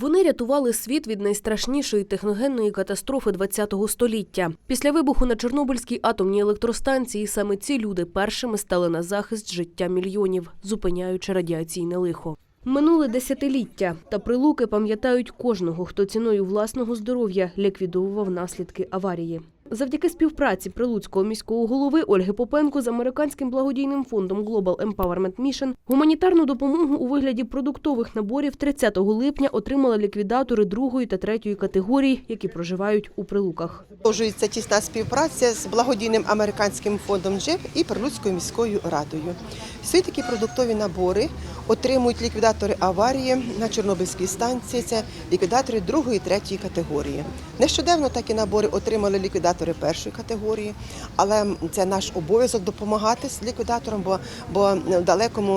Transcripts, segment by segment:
Вони рятували світ від найстрашнішої техногенної катастрофи ХХ століття. Після вибуху на Чорнобильській атомній електростанції саме ці люди першими стали на захист життя мільйонів, зупиняючи радіаційне лихо. Минуле десятиліття, та Прилуки пам'ятають кожного, хто ціною власного здоров'я ліквідовував наслідки аварії. Завдяки співпраці Прилуцького міського голови Ольги Попенко з американським благодійним фондом Global Empowerment Mission гуманітарну допомогу у вигляді продуктових наборів 30 липня отримали ліквідатори 2-ї та 3-ї категорій, які проживають у Прилуках. Продовжується тісна співпраця з благодійним американським фондом GEP і Прилуцькою міською радою. Всі такі продуктові набори отримують ліквідатори аварії на Чорнобильській станції. Це ліквідатори 2-ї і 3-ї категорії. Нещодавно такі набори отримали ліквідатори 1-ї категорії, але це наш обов'язок допомагати з ліквідатором, бо в далекому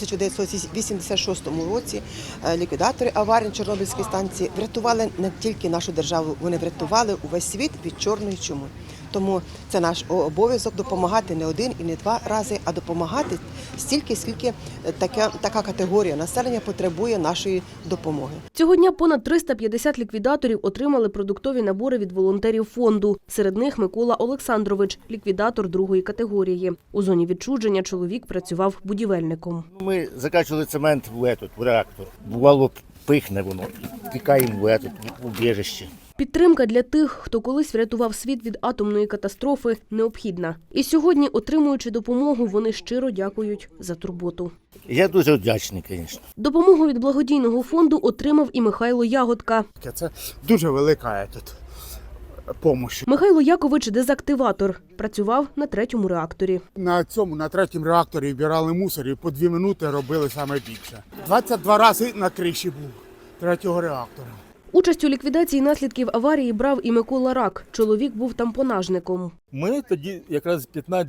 1986 році ліквідатори аварії на Чорнобильській станції врятували не тільки нашу державу, вони врятували увесь світ від чорної чуми. Тому це наш обов'язок допомагати не один і не два рази, а допомагати стільки, скільки така категорія населення потребує нашої допомоги. Цього дня понад 350 ліквідаторів отримали продуктові набори від волонтерів фонду. Серед них Микола Олександрович, ліквідатор 2-ї категорії. У зоні відчуження чоловік працював будівельником. Ми закачували цемент в реактор. Бувало, пихне воно, тікаємо в убіжище. Підтримка для тих, хто колись врятував світ від атомної катастрофи, необхідна. І сьогодні, отримуючи допомогу, вони щиро дякують за турботу. Я дуже вдячний, звісно. Допомогу від благодійного фонду отримав і Михайло Ягодка. Це дуже велика допомога. Михайло Якович – дезактиватор. Працював на 3-му реакторі. На 3-му реакторі вбирали мусор і по 2 минути робили саме більше. 22 рази на криші був 3-го реактора. Участь у ліквідації наслідків аварії брав і Микола Рак. Чоловік був тампонажником. Ми тоді якраз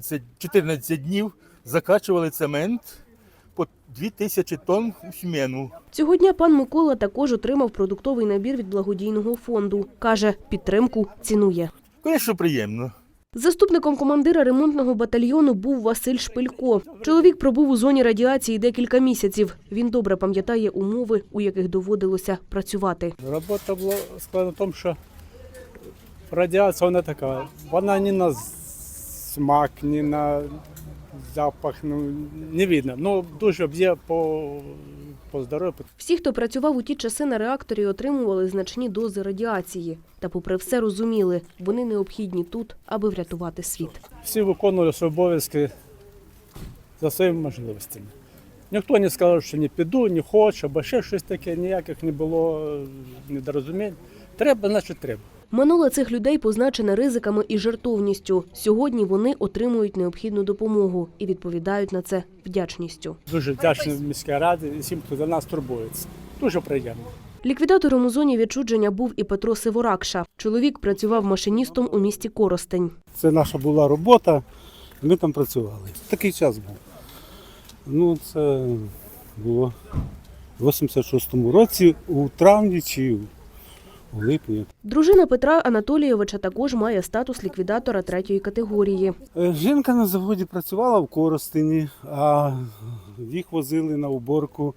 14 днів закачували цемент по 2000 тонн в зміну. Цього дня пан Микола також отримав продуктовий набір від благодійного фонду. Каже, підтримку цінує. Звісно, приємно. Заступником командира ремонтного батальйону був Василь Шпилько. Чоловік пробув у зоні радіації декілька місяців. Він добре пам'ятає умови, у яких доводилося працювати. Робота була складна в тому, що радіація вона така, вона ні на смак, ні на запах, не видно. Дуже б'є по здоров'ю. Всі, хто працював у ті часи на реакторі, отримували значні дози радіації. Та попри все розуміли, вони необхідні тут, аби врятувати світ. Всі виконували свої обов'язки за своїми можливостями. Ніхто не сказав, що не піду, не хочу, або ще щось таке, ніяких не було недорозумінь. Треба, значить треба. Минуле цих людей позначене ризиками і жертовністю. Сьогодні вони отримують необхідну допомогу і відповідають на це вдячністю. Дуже вдячний міській раді і всім, хто за нас турбується. Дуже приємно. Ліквідатором у зоні відчуження був і Петро Сиворакша. Чоловік працював машиністом у місті Коростень. Це наша була робота, ми там працювали. Такий час був. Це було в 86-му році, у травні чи у липні. Дружина Петра Анатолійовича також має статус ліквідатора 3-ї категорії. Жінка на заводі працювала в Коростені, а їх возили на уборку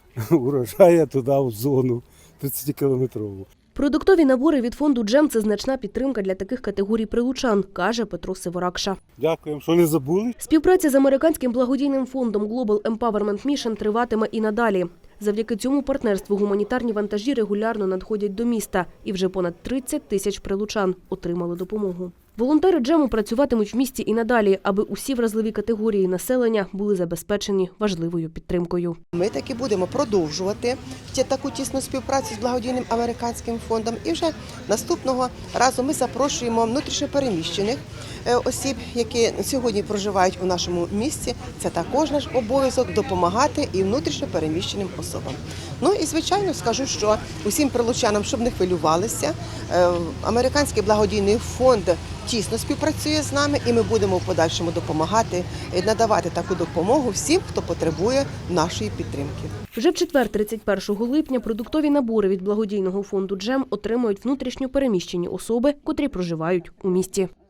урожаю туди, в зону 30-кілометрову. Продуктові набори від фонду «Джем» – це значна підтримка для таких категорій прилучан, каже Петро Сиворакша. Дякуємо, що не забули. Співпраця з американським благодійним фондом Global Empowerment Mission триватиме і надалі. Завдяки цьому партнерству гуманітарні вантажі регулярно надходять до міста, і вже понад 30 тисяч прилучан отримали допомогу. Волонтери «Джему» працюватимуть в місті і надалі, аби усі вразливі категорії населення були забезпечені важливою підтримкою. Ми таки будемо продовжувати таку тісну співпрацю з благодійним американським фондом. І вже наступного разу ми запрошуємо внутрішньопереміщених осіб, які сьогодні проживають у нашому місті. Це також наш обов'язок допомагати і внутрішньопереміщеним особам. І, звичайно, скажу, що усім прилучанам, щоб не хвилювалися, американський благодійний фонд тісно співпрацює з нами, і ми будемо в подальшому допомагати, надавати таку допомогу всім, хто потребує нашої підтримки. Вже в четвер, 31 липня, продуктові набори від благодійного фонду «Джем» отримають внутрішньо переміщені особи, котрі проживають у місті.